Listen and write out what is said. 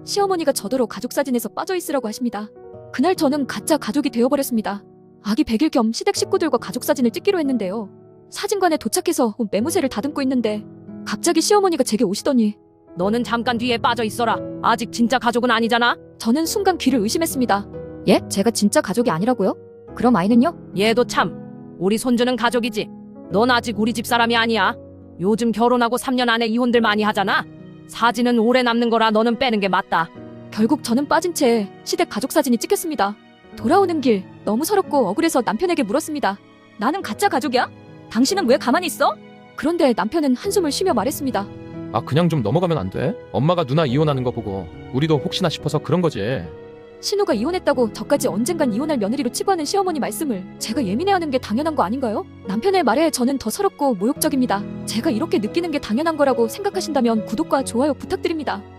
시어머니가 저더러 가족사진에서 빠져있으라고 하십니다. 그날 저는 가짜 가족이 되어버렸습니다. 아기 100일 겸 시댁 식구들과 가족사진을 찍기로 했는데요. 사진관에 도착해서 매무새를 다듬고 있는데 갑자기 시어머니가 제게 오시더니 너는 잠깐 뒤에 빠져 있어라. 아직 진짜 가족은 아니잖아. 저는 순간 귀를 의심했습니다. 예? 제가 진짜 가족이 아니라고요? 그럼 아이는요? 얘도 참. 우리 손주는 가족이지. 넌 아직 우리 집 사람이 아니야. 요즘 결혼하고 3년 안에 이혼들 많이 하잖아. 사진은 오래 남는 거라 너는 빼는 게 맞다. 결국 저는 빠진 채 시댁 가족사진이 찍혔습니다. 돌아오는 길 너무 서럽고 억울해서 남편에게 물었습니다. 나는 가짜 가족이야? 당신은 왜 가만히 있어? 그런데 남편은 한숨을 쉬며 말했습니다. 아, 그냥 좀 넘어가면 안 돼? 엄마가 누나 이혼하는 거 보고 우리도 혹시나 싶어서 그런 거지. 신우가 이혼했다고 저까지 언젠간 이혼할 며느리로 치부하는 시어머니 말씀을 제가 예민해하는 게 당연한 거 아닌가요? 남편의 말에 저는 더 서럽고 모욕적입니다. 제가 이렇게 느끼는 게 당연한 거라고 생각하신다면 구독과 좋아요 부탁드립니다.